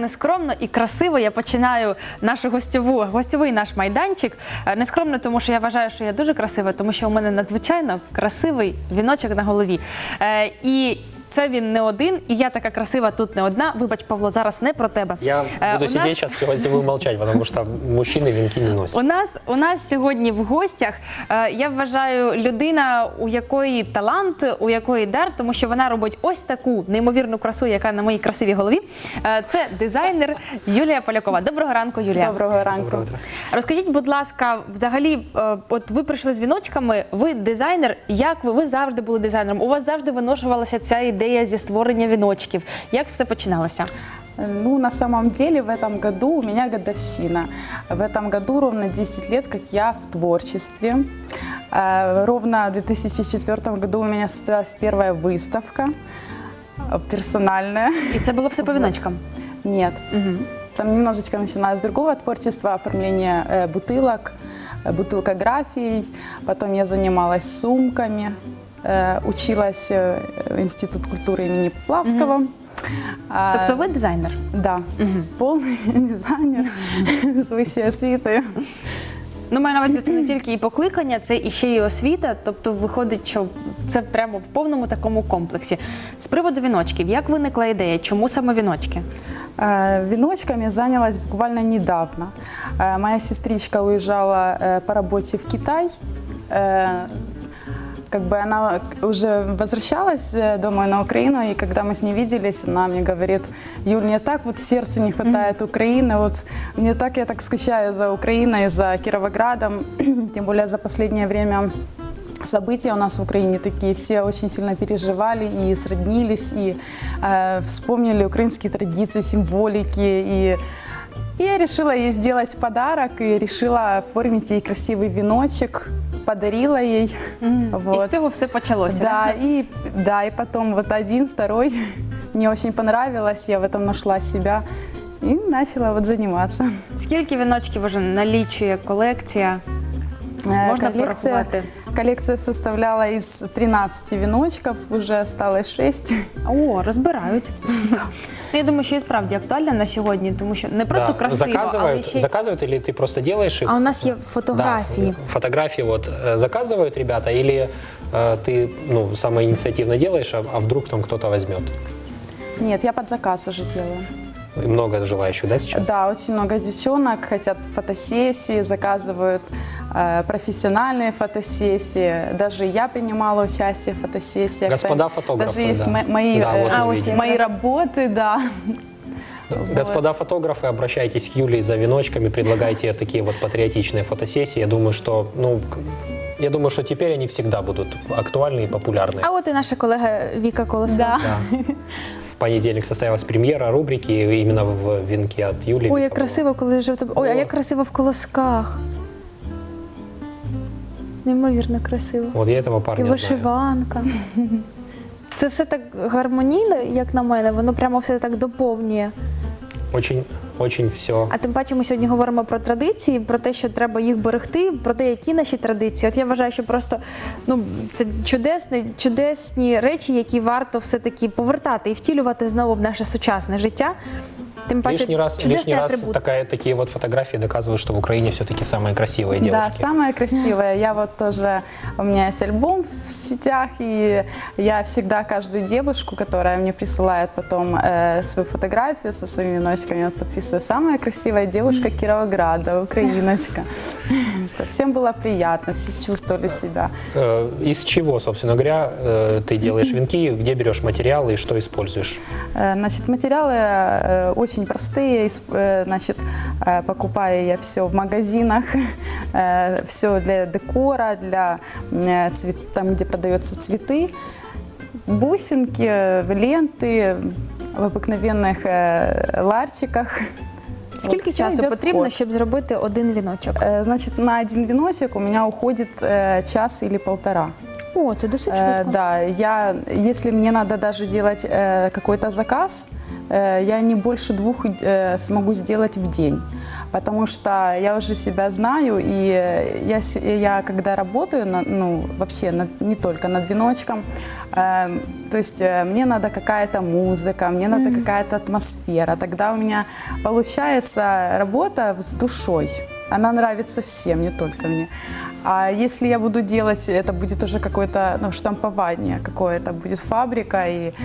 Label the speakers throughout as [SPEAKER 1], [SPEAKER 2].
[SPEAKER 1] нескромно і красиво я починаю нашу гостьовий наш майданчик. Нескромно, тому що я вважаю, що я дуже красива, тому що у мене надзвичайно красивий віночок на голові. І це він не один, і я така красива тут не одна. Вибач, Павло, зараз не про тебе.
[SPEAKER 2] Я буду сидеть сейчас, все возьму молчать, потому что мужчины венки не носят.
[SPEAKER 1] У нас сьогодні в гостях, я вважаю, людина, у якої талант, у якої дар, тому що вона робить ось таку неймовірну красу, яка на моїй красивій голові. Це дизайнер Юлія Полякова. Доброго ранку, Юлія.
[SPEAKER 3] Доброго ранку.
[SPEAKER 2] Доброе утро.
[SPEAKER 1] Розкажіть, будь ласка, взагалі, от ви прийшли з віночками, ви дизайнер, як ви завжди були дизайнером? У вас завжди виношувалася ця ідея зі створення віночків. Як все починалося?
[SPEAKER 3] Ну, на самом деле, в этом году у меня годовщина. В этом году ровно 10 лет, как я в творчестве. Ровно в 2004 году у меня состоялась первая выставка персональная.
[SPEAKER 1] І це було все по віночкам?
[SPEAKER 3] Нет. Там немножечко начиналось с другого творчества, оформление бутылок, бутылкографией. Потом я занималась сумками, училась в Институт культуры имени Поплавского.
[SPEAKER 1] Тобто ви дизайнер?
[SPEAKER 3] Да, полный дизайнер з вищою освітою.
[SPEAKER 1] Ну, маю на увазі, це не тільки і покликання, це і ще й освіта, тобто виходить, що це прямо в повному такому комплексі. З приводу віночків, як виникла ідея, чому саме віночки?
[SPEAKER 3] Веночками занялась буквально недавно. Моя сестричка уезжала по работе в Китай. Как бы она уже возвращалась домой на Украину, и когда мы с ней виделись, она мне говорит: Юль, мне так вот в сердце не хватает Украины, вот я так скучаю за Украиной, за Кировоградом, тем более за последнее время события у нас в Украине такие, все очень сильно переживали и сроднились, и вспомнили украинские традиции, символики, и я решила ей сделать подарок и решила оформить ей красивый веночек. Подарила ей.
[SPEAKER 1] Вот. І з цього все почалося.
[SPEAKER 3] Да, и потом вот один, второй. Мне очень понравилось, я в этом нашла себя и начала вот заниматься.
[SPEAKER 1] Скільки віночків вже налічує колекція? Можна порахувати?
[SPEAKER 3] Коллекция составляла из 13 веночков, уже осталось 6.
[SPEAKER 1] О, розбирають. Я думаю, що і справді актуально на сьогодні, тому що не просто красиво, але ще...
[SPEAKER 2] Заказывают или ты просто делаешь их?
[SPEAKER 1] А у нас є фотографії.
[SPEAKER 2] Да, фотографии вот заказывают ребята, или ты самоинициативно делаешь, а вдруг там кто-то возьмет?
[SPEAKER 3] Нет, я под заказ уже делаю.
[SPEAKER 2] И много желающих, да, сейчас?
[SPEAKER 3] Да, очень много девчонок хотят фотосессии, заказывают профессиональные фотосессии. Даже я принимала участие в фотосессиях.
[SPEAKER 2] Господа фотографы,
[SPEAKER 3] даже есть
[SPEAKER 2] да.
[SPEAKER 3] мои работы, да.
[SPEAKER 2] Господа фотографы, обращайтесь к Юлии за веночками, предлагайте такие вот патриотичные фотосессии. Я думаю, что теперь они всегда будут актуальны и популярны.
[SPEAKER 1] А от і наша колега Віка Колосова.
[SPEAKER 3] Да.
[SPEAKER 2] В понедельник состоялась премьера рубрики именно в венке от Юлии.
[SPEAKER 1] Ой, як красиво, коли жив тебе. Ой, а як красиво в колосках. Неймовірно красиво.
[SPEAKER 2] Вот я этого парня
[SPEAKER 1] І вишиванка. Це все так гармонійно, як на мене, воно прямо все так доповнює.
[SPEAKER 2] Очень, очень все.
[SPEAKER 1] А тим паче ми сьогодні говоримо про традиції, про те, що треба їх берегти, про те, які наші традиції. От я вважаю, що просто це чудесні речі, які варто все-таки повертати і втілювати знову в наше сучасне життя. Тим паче,
[SPEAKER 2] лишний раз такие вот фотографии доказывают, что в Украине все-таки самые красивые девушки.
[SPEAKER 3] Да, самые красивые. Я вот тоже, у меня есть альбом в сетях, и я всегда каждую девушку, которая мне присылает потом свою фотографию со своими веночками, подписываю: самая красивая девушка Кировограда, украиночка. Чтобы всем было приятно, все чувствовали себя.
[SPEAKER 2] Из чего, собственно говоря, ты делаешь венки, где берешь материалы и что используешь?
[SPEAKER 3] Значит, материалы очень простые, значит, покупаю я все в магазинах, все для декора, для там, где продаются цветы, бусинки, ленты в обыкновенных ларчиках.
[SPEAKER 1] Скільки часу потрібно, щоб зробити один віночок?
[SPEAKER 3] Значит, на один веночек у меня уходит час или полтора.
[SPEAKER 1] О, це досить швидко.
[SPEAKER 3] Да, если мне надо даже делать какой-то заказ, я не больше 2 смогу сделать в день. потому что я уже себя знаю, и я когда работаю, вообще не только над веночком, то есть мне надо какая-то музыка, мне надо какая-то атмосфера, тогда у меня получается работа с душой. Она нравится всем, не только мне. А если я буду делать, это будет уже какое-то штампование, какое-то будет фабрика, и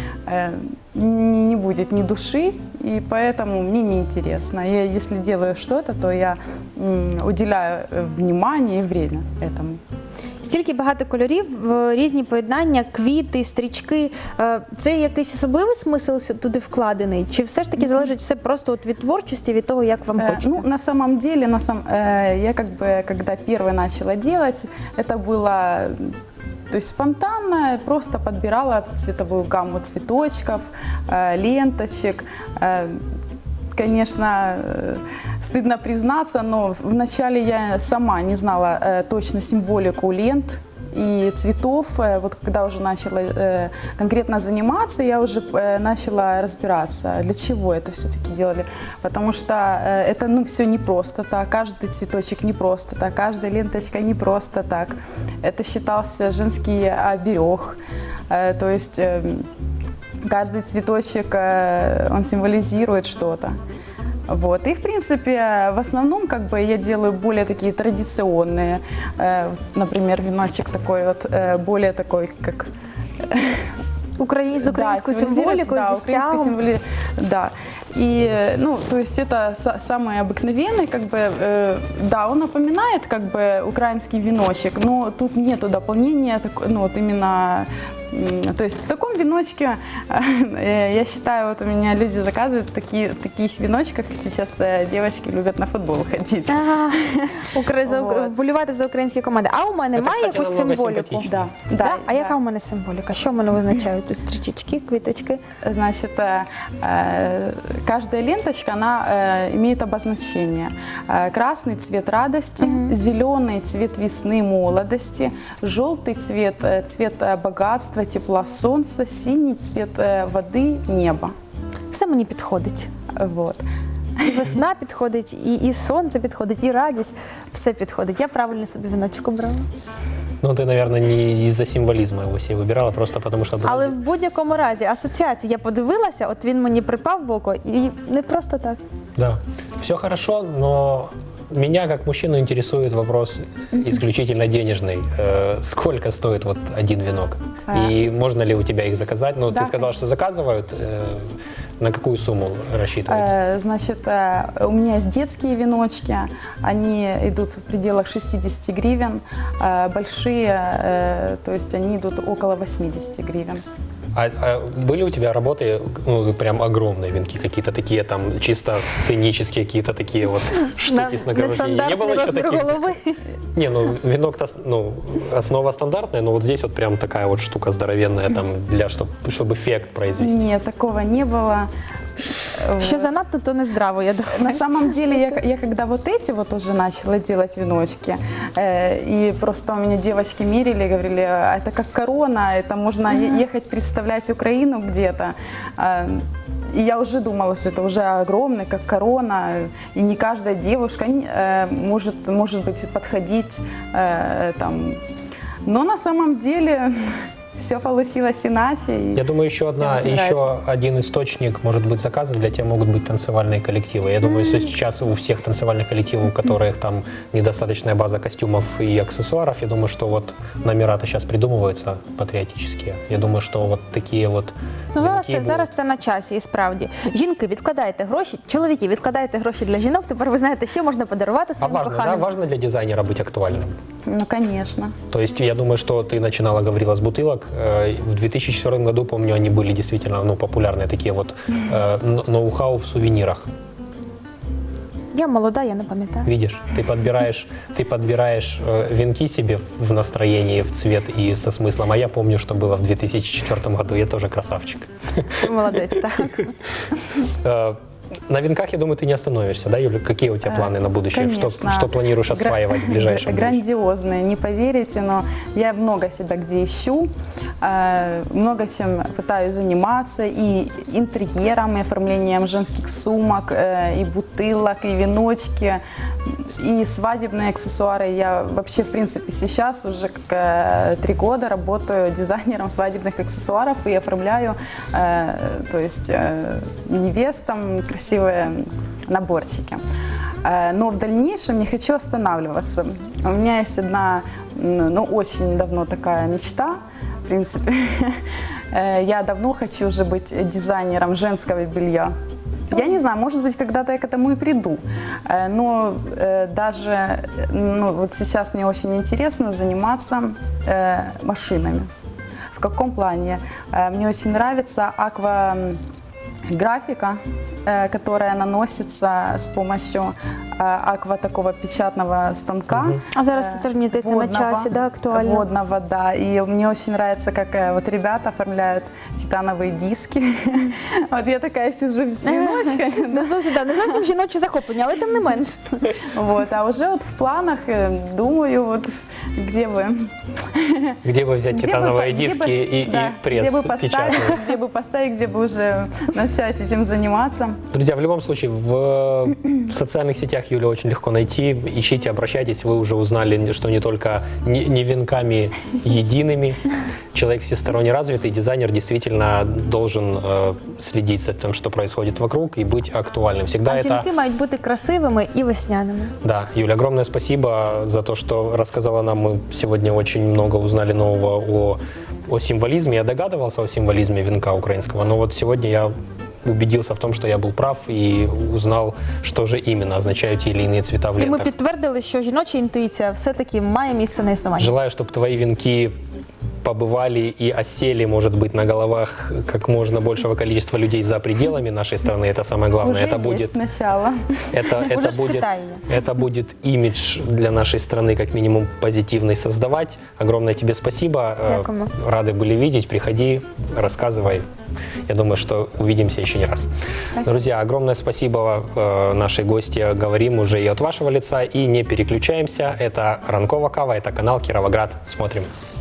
[SPEAKER 3] не будет ни души, и поэтому мне неинтересно. Я, если делаю что-то, то я уделяю внимание и время этому.
[SPEAKER 4] Стільки багато кольорів, різні поєднання, квіти, стрічки. Це якийсь особливий смисл туди вкладений? Чи все ж таки залежить все просто від творчості, від того, як вам хочеться?
[SPEAKER 3] Ну, на самом деле, я когда первое начала делать, это было спонтанно, просто подбирала цветовую гамму цветочков, ленточек. Конечно, стыдно признаться, но вначале я сама не знала точно символику лент и цветов. Вот когда уже начала конкретно заниматься, я уже начала разбираться, для чего это все-таки делали. Потому что это все не просто так, каждый цветочек не просто так, каждая ленточка не просто так. Это считался женский оберег. То есть каждый цветочек, он символизирует что-то. Вот. И, в принципе, в основном я делаю более такие традиционные. Например, веночек такой более такой, как...
[SPEAKER 4] З українською символікою, зі стягом.
[SPEAKER 3] Да. И, то есть это самый обыкновенный, да, он напоминает, украинский веночек, но тут нету дополнения, именно, то есть в таком веночке, я считаю, у меня люди заказывают в таких веночках, сейчас девочки любят на футбол ходить.
[SPEAKER 4] Вболівати за українські команди. А у мене має якусь символіку?
[SPEAKER 3] Да.
[SPEAKER 4] А яка у мене символіка? Що в мене визначають тут стрічечки, квіточки?
[SPEAKER 3] Значит, каждая ленточка, она имеет обозначение. Красный цвет радости, зеленый цвет весны, молодости, желтый цвет богатства, тепла солнца, синий цвет воды, неба.
[SPEAKER 4] Все мені підходить.
[SPEAKER 3] Вот.
[SPEAKER 4] І весна підходить, і сонце підходить, і радість. Все підходить. Я правильно собі віночок обрала.
[SPEAKER 2] Ну, ты, наверное, не из-за символизма его себе выбирала, просто потому что...
[SPEAKER 4] Але в будь-якому разі асоціація. Я подивилася, от він мені припав в око, і не просто так.
[SPEAKER 2] Да, все хорошо, но меня как мужчину интересует вопрос исключительно денежный. Сколько стоит один венок? И можно ли у тебя их заказать? Ну,
[SPEAKER 3] да,
[SPEAKER 2] ты сказала, что заказывают. На какую сумму рассчитываете?
[SPEAKER 3] Значит, у меня есть детские веночки, они идут в пределах 60 гривен, большие, то есть они идут около 80 гривен.
[SPEAKER 2] А были у тебя работы, прям огромные венки, какие-то такие там чисто сценические, какие-то такие вот штуки с нагромождением? Не было еще таких?
[SPEAKER 4] Голови.
[SPEAKER 2] Не, венок-то, основа стандартная, но вот здесь вот прям такая вот штука здоровенная, там, чтобы эффект произвести.
[SPEAKER 3] Нет, такого не было.
[SPEAKER 4] Що занадто, то не здраво, я думаю.
[SPEAKER 3] На самом деле, я когда эти уже начала делать веночки, и просто у меня девочки мерили, говорили, это как корона, это можно ехать представлять Украину где-то. И я уже думала, что это уже огромный, как корона, и не каждая девушка может быть подходить там. Но на самом деле... Все получилось иначе.
[SPEAKER 2] Я думаю, еще один источник может быть заказа для тебя могут быть танцевальные коллективы. Я думаю, что сейчас у всех танцевальных коллективов, у которых там недостаточная база костюмов и аксессуаров, я думаю, что вот номера-то сейчас придумываются патриотические. Я думаю, что вот такие вот...
[SPEAKER 4] Зараз це на часі, і справді. Жінки, відкладайте гроші, чоловіки, відкладайте гроші для жінок, тепер ви знаєте, що можна подарувати своїм коханим.
[SPEAKER 2] А важно для дизайнера быть актуальным?
[SPEAKER 3] Ну, конечно.
[SPEAKER 2] То есть я думаю, что ты начинала, говорила, с бутылок. В 2004 году, помню, они были действительно популярные, такие вот ноу-хау в сувенирах.
[SPEAKER 4] Я молода, я не пам'ятаю.
[SPEAKER 2] Видишь, ты подбираешь венки себе в настроении, в цвет и со смыслом. А я помню, что было в 2004 году. Я тоже красавчик.
[SPEAKER 4] Молодець, так.
[SPEAKER 2] На венках, я думаю, ты не остановишься, да, Юля? Какие у тебя планы на будущее?
[SPEAKER 3] Конечно.
[SPEAKER 2] Что планируешь осваивать в ближайшем будущем?
[SPEAKER 3] Грандиозные, не поверите, но я много себя где ищу, много чем пытаюсь заниматься, и интерьером, и оформлением женских сумок, и бутылок, и веночки, и свадебные аксессуары. Я вообще, в принципе, сейчас уже 3 года работаю дизайнером свадебных аксессуаров и оформляю, то есть невестам красивые наборчики. Но в дальнейшем не хочу останавливаться. У меня есть одна, ну, очень давно такая мечта, в принципе. Я давно хочу уже быть дизайнером женского белья. Я не знаю, может быть, когда-то я к этому и приду. Но даже вот сейчас мне очень интересно заниматься машинами. В каком плане? Мне очень нравится акваграфика, которая наносится с помощью такого печатного станка.
[SPEAKER 4] А зараз це теж, мені здається, на часі, да, актуально.
[SPEAKER 3] Водного, да. И мне очень нравится, как вот ребята оформляют титановые диски. Вот я такая сижу с веночкой.
[SPEAKER 4] Не зовсім жіноче захоплення, але тим не менш.
[SPEAKER 3] Вот, а уже вот в планах думаю, вот где бы...
[SPEAKER 2] Где бы взять титановые диски и пресс печатный?
[SPEAKER 3] Где бы поставить, где бы уже начать этим заниматься.
[SPEAKER 2] Друзья, в любом случае, в социальных сетях Юля очень легко найти. Ищите, обращайтесь. Вы уже узнали, что не только не венками едиными. Человек всесторонне развитый, дизайнер действительно должен следить за тем, что происходит вокруг, и быть актуальным. Всегда
[SPEAKER 1] А
[SPEAKER 2] это...
[SPEAKER 1] жінки мають бути красивими і весняними.
[SPEAKER 2] Да, Юля, огромное спасибо за то, что рассказала нам. Мы сегодня очень много узнали нового о символизме. Я догадывался о символизме венка украинского, но вот сегодня я убедился в том, что я был прав и узнал, что же именно означают те или иные цвета в
[SPEAKER 1] І ми
[SPEAKER 2] лентах.
[SPEAKER 1] підтвердили, що жіноча інтуїція все-таки має місце на існування.
[SPEAKER 2] Желаю, чтобы твои венки побывали и осели, может быть, на головах как можно большего количества людей за пределами нашей страны. Это самое главное.
[SPEAKER 3] Уже
[SPEAKER 2] Это
[SPEAKER 3] есть
[SPEAKER 2] будет,
[SPEAKER 3] начало.
[SPEAKER 1] Уже ж питання.
[SPEAKER 2] это будет имидж для нашей страны как минимум позитивный создавать. Огромное тебе спасибо.
[SPEAKER 4] Дякуємо.
[SPEAKER 2] Рады были видеть. Приходи, рассказывай. Я думаю, что увидимся еще не раз.
[SPEAKER 3] Спасибо.
[SPEAKER 2] Друзья, огромное спасибо нашей гости. Говорим уже и от вашего лица. И не переключаемся. Это Ранкова Кава, это канал Кировоград. Смотрим.